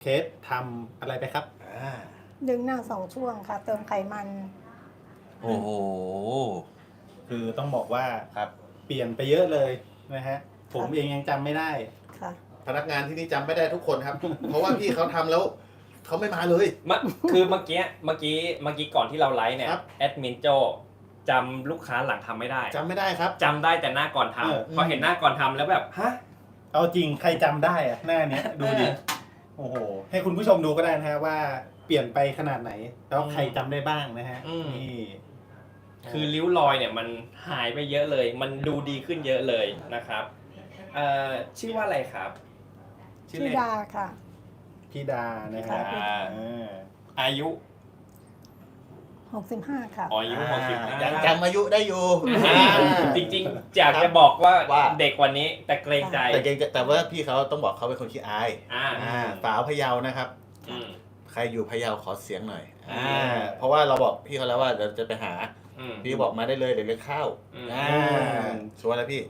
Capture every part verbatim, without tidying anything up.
เคสทำอะไรไปครับอ่าดึงหน้าสองช่วงค่ะ เติมไขมันโอ้โหคือต้องบอกว่าครับเปลี่ยนไปเยอะเลยนะฮะ ผมเองยังจำไม่ได้ค่ะพนักงานที่นี่จำไม่ได้ทุกคนครับ เพราะว่าพี่เขาทำแล้วเขาไม่มาเลยมะคือเมื่อกี้เมื่อกี้เมื่อกี้ก่อนที่เราไลฟ์เนี่ยครับแอดมินโจจำลูกค้าหลังทำไม่ได้จำไม่ได้ครับจำได้แต่หน้าก่อนเออทำพอเห็นหน้าก่อนทำแล้วแบบฮะเอาจริงใครจำได้อะหน้าเนี้ยดูดิ โอ้โห ให้คุณผู้ชมดูก็ได้นะฮะว่าเปลี่ยนไปขนาดไหน แล้วใครจำได้บ้างนะฮะอืมนี่คือริ้วรอยเนี่ยมันหายไปเยอะเลย มันดูดีขึ้นเยอะเลยนะครับเอ่อชื่อว่าอะไรครับชื่อเล่นดาค่ะพี่ดานะฮะอ่าอ่าอายุหกสิบห้าค่ะอ๋ออายุหกสิบห้ายังจำอายุได้อยู่จริงๆอยากจะบอกว่าว่าเด็กกวันนี้แต่เกรงใจแต่เก่งแต่ว่าพี่เขาต้องบอกเขาเป็นคนขี้อายอ่าอ่าสาวพะเยานะครับอืมใครอยู่พะเยาขอเสียงหน่อยอืมอ่าเพราะว่าเราบอกพี่เขาแล้วว่าเดี๋ยวจะไปหาอืมพี่บอกมาได้เลยเดี๋ยวเลี้ยงข้าวอืมอ่าชัวร์แล้วพี่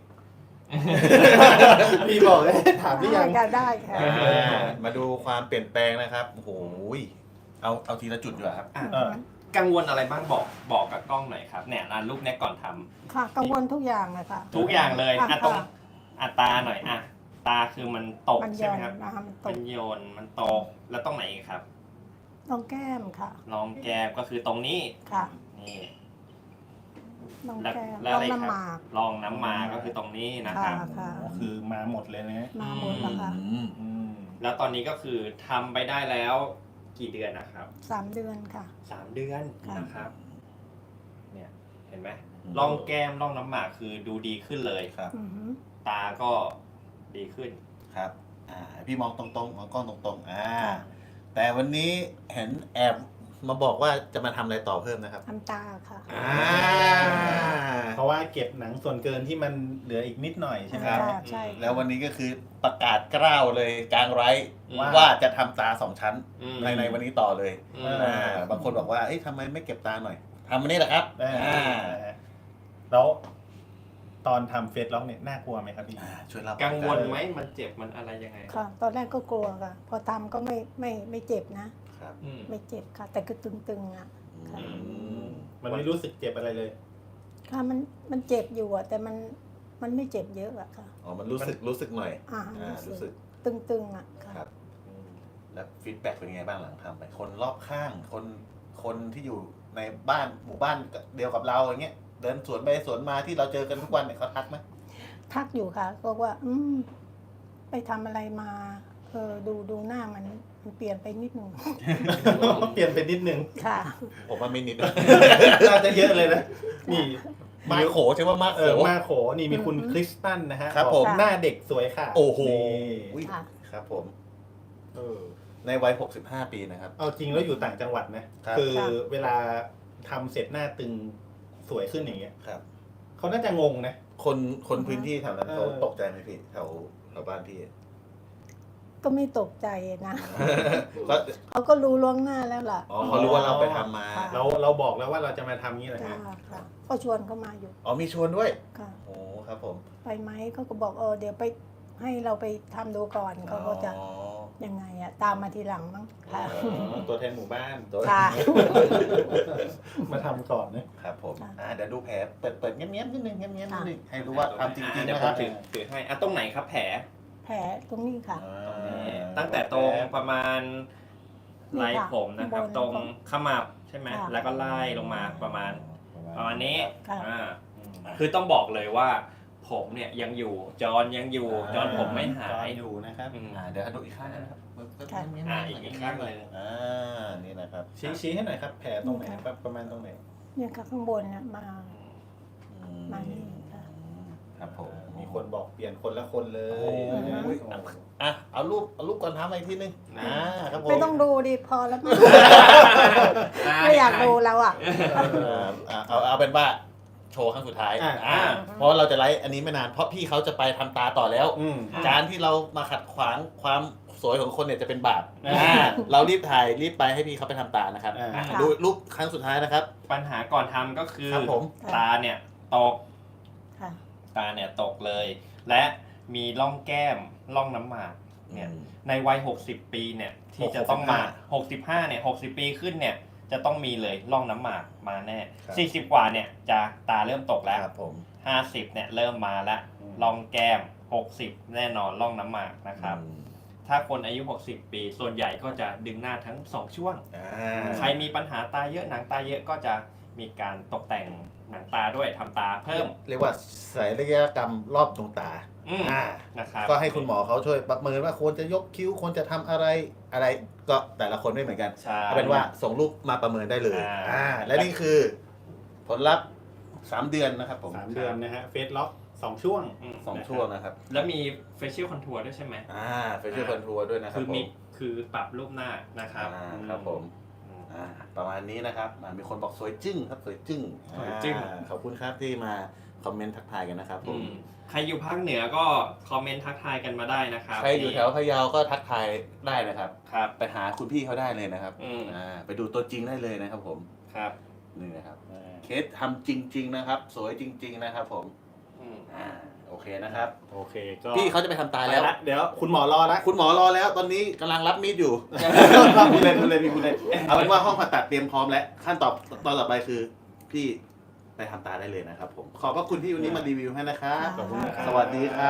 พี่บอกเลยถามหรือยังได้ได้ค่ะอ่ามาดูความเปลี่ยนแปลงนะครับโอ้โหเอาเอาทีละจุดดีกว่าครับอ่ะเออกังวลอะไรบ้างบอกบอกกับกล้องหน่อยครับเนี่ยร้านรูปเนี้ยก่อนทำค่ะ กังวลทุกอย่างเลยค่ะทุกอย่างเลยค่ะอ่ะตรงค่ะอ่ะตาหน่อยอ่ะตาคือมันตกมันใช่ย้อไหมนครับนะคะมันตมักนโยนมันตกแล้วตรงไหนอีกครับตรงแก้มค่ะรองแก้มก็คือตรงนี้ค่ะนี่ตรงแล้วแก้มแล้วตรอะไรงครัน้ำหมากรองน้ำมาก็คือตรงนี้นะคค่ะรับค่ะก็คือมาหมดเลยนะฮะมาหมดแล้วค่ะอืมอืมแล้วตอนนี้ก็คือทำไปได้แล้วกี่เดือนนะครับสามเดือนค่ะสามเดือนค่ะนะครับเนี่ยห็นไหมร่องแก้มร่องน้ำหมากคือดูดีขึ้นเลยครับอือหือตาก็ดีขึ้นครับอ่าพี่มองตรงๆมองกล้องตรงๆอ่าแต่วันนี้เห็นแอบมาบอกว่าจะมาทำอะไรต่อเพิ่มนะครับทำตาค่ะอ่าเพราะว่าเก็บหนังส่วนเกินที่มันเหลืออีกนิดหน่อยใช่ไหมครับค่ะใช่แล้ววันนี้ก็คือประกาศกล้าวเลยกลางไร้ว่าว่าจะทำตาสองชั้นอืมในในวันนี้ต่อเลยอืมอ่าบางคนบอกว่าเอ้ยทำไมไม่เก็บตาหน่อยทำวันนี้แหละครับอ่าอ่าแล้วตอนทำเฟซล็อกเนี่ยน่ากลัวไหมครับพี่อ่าช่วยเล่ากังวลไหมมันเจ็บมันอะไรยังไงค่ะ ตอนแรกก็กลัวค่ะ พอทำก็ไม่ไม่ไม่เจ็บนะครับอืมไม่เจ็บค่ะ แต่ก็ตึงๆอ่ะ ค่ะอืมมันไม่รู้สึกเจ็บอะไรเลยค่ะมันมันเจ็บอยู่อะแต่มันมันไม่เจ็บเยอะอะค่ะอ๋อมันรู้สึกรู้สึกหน่อยอ่าอ่ารู้รู้สึสึกกตึงๆอะค่ะครับอืมแล้วฟีดแบ็กเป็นยังไงบ้างหลังทำไป คนรอบข้าง คนคนที่อยู่ในบ้านหมู่บ้านเดียวกับเราอย่างเงี้ยเดินสวนไปสวนมาที่เราเจอกันทุกวันเนี่ยเขาทักไหมทักอยู่ค่ะบอกว่า อืมไปทำอะไรมาเออดูดูหน้ามันมันเปลี่ยนไปนิดหนึ่งเปลี่ยนไปนิดนึงค่ะผมว่าไม่นิดน่าจะเยอะเลยนะ นี่มาโขใช่ว่ามาโขเออมาโขนี่มีคุณอืมคริสตันนะฮะครับอกผมหน้าเด็กสวยค่ะโอ้โหนี่อุ๊ยค่ะครับผมเออในวัยหกสิบห้าปีนะครับเอาจริงแล้วอยู่ต่างจังหวัดนะครับ คือค่ะเวลาทำเสร็จหน้าตึงสวยขึ้นอย่างเงี้ยครับเขาน่าจะงงนะคนคนพื้นที่แถวนั้นเออเขาตกใจไหมพี่แถวแถวบ้านพี่ก็ไม่ตกใจนะก็เขาก็รู้ล่วงหน้าแล้วล่ะอ๋อเขารู้ว่าเราไปทำมาค่ะเราเราบอกแล้วว่าเราจะมาทำงี้แหละจ้าฮะค่ะก็ชวนเขามาอยู่อ๋อมีชวนด้วยค่ะโอ้ครับผมไปไหมเขาก็บอกเออเดี๋ยวไปให้เราไปทำดูก่อนเขาก็จะอ๋อยังไงอะตามมาทีหลังมั้งค่ะอ๋อตัวแทนหมู่บ้านตัวค่ะมาทำก่อนนะครับผมค่ะอ่าเดี๋ยวดูแผลเปิดเปิดเงี้ยบๆนิดนึงเงี้ยบๆนิดนึงค่ะให้รู้ว่าทำจริงอ่ะๆเดี๋ยวนะผครัมบถือถือให้อ่ะตรงไหนครับแผลแผลตรงนี้ค่ะอ่าตั้งแต่ตรงประมาณไหล่นี่ค่ะผมนะครับบนตรงขมับใช่ไหมค่ะแล้วก็ไล่ลงมาประมาณประมาณนี้ค่ะอ่าคือต้องบอกเลยว่า ผมเนี่ยยังอยู่จอนยังอยู่จอนผมไม่หาจอย อยู่นะครับอืมอ่าเดี๋ยวดูอีกข้างนะครับเปิดเปิดค่ะเงี้ยบๆอ่าอีกอีกข้างหนึ่งอ่านี่นะครับชี้ชี้ให้หน่อยครับ แผลตรงไหนครับประมาณตรงไหนเนี่ยค่ะข้างบนน่ะมาอืมานี่ค่ะครับผมมีคนบอกเปลี่ยนคนละคนเลยโอ้โหนะฮะอ่ะเอารูปเอารูปก่อนทำอะไรทีนึงอ่าครับผมไม่ต้องดูดิพอแล้วมั้งด้ไม่อยากดูแล้วอ่ะอ่าเอาเอาเป็นว่าโชว์ครั้งสุดท้ายอ่าอ่าเพราะเราจะไลฟ์อันนี้ไม่นานเพราะพี่เขาจะไปทำตาต่อแล้วอืมการที่เรามาขัดขวางความสวยของคนเนี่ยจะเป็นบาปอ่าอ่าเรารีบถ่ายรีบไปให้พี่เขาไปทำตานะครับอ่าอ่ะดูรูปครั้งสุดท้ายนะครับปัญหาก่อนทำก็คือครับผมตาเนี่ยตกค่ะตาเนี่ยตกเลย และมีร่องแก้มร่องน้ำหมากเนี่ยอืมในวัย หกสิบ ปีเนี่ยที่จะต้องมา หกสิบห้า เนี่ย หกสิบ ปีขึ้นเนี่ยจะต้องมีเลยร่องน้ำหมากมาแน่ครับสี่สิบ กว่าเนี่ยจะตาเริ่มตกแล้วครับผมห้าสิบ เนี่ยเริ่มมาแล้วร่องแก้ม หกสิบ แน่นอนร่องน้ำหมากนะครับอืมถ้าคนอายุ หกสิบ ปีส่วนใหญ่ก็จะดึงหน้าทั้งสองช่วงอ่าใครมีปัญหาตาเยอะหนังตาเยอะก็จะมีการตกแต่งหนังตาด้วยทำตาเพิ่มเรียกว่าศัลยกรรมรอบดวงตาอืมอ่านะครับก็ให้คุณหมอเขาช่วยประเมินว่าควรจะยกคิ้วควรจะทำอะไรอะไรก็แต่ละคนไม่เหมือนกันใช่เอาเป็นว่าส่งรูปมาประเมินได้เลยอ่าอ่าและนี่คือผลลัพธ์สามเดือนนะครับผมสามเดือนนะฮะเฟสล็อกสองช่วงอืมสองช่วงนะครับแล้วมี facial contour ด้วยใช่ไหมอ่าเฟเชียลคอนทัวร์ด้วยนะครัคืบอผมีมคือปรับรูปหน้านะครับอ่าครับผมอืมอ่าประมาณนี้นะครับอ่ามีคนบอกสวยจึ้งครับสวยจึ้งสวยจึ้งอ่าขอบคุณครับที่มาคอมเมนต์ทักทายกันนะครับผอืมมใครอยู่ภาคเหนือก็คอมเมนต์ทักทายกันมาได้นะครับใครอยู่แถวพะเยาก็ทักทายได้นะครับครับไปหาคุณพี่เขาได้เลยนะครับอืมอ่าไปดูตัวจริงได้เลยนะครับผมครับนี่นะครับเคสทำจริง ๆนะครับ สวยจริง ๆนะครับผมอืมอ่าโอเคนะครับโอเคก็พี่เขาจะไปทำตาไปแล้วละเดี๋ยวคุณหมอรอละคุณหมอรอแล้วตอนนี้กำลังรับมีดอยู่ พูดเล่นพูดเล่นพี่พูดเล่นเอาเป็นว่าห้องผ่าตัดเตรียมพร้อมแล้วขั้นตอนตอนต่อไปคือ พี่ไปทำตาได้เลยนะครับผมขอบพระคุณที่วันนี้มารีวิวให้นะครับขอบคุณครับสวัสดีครับ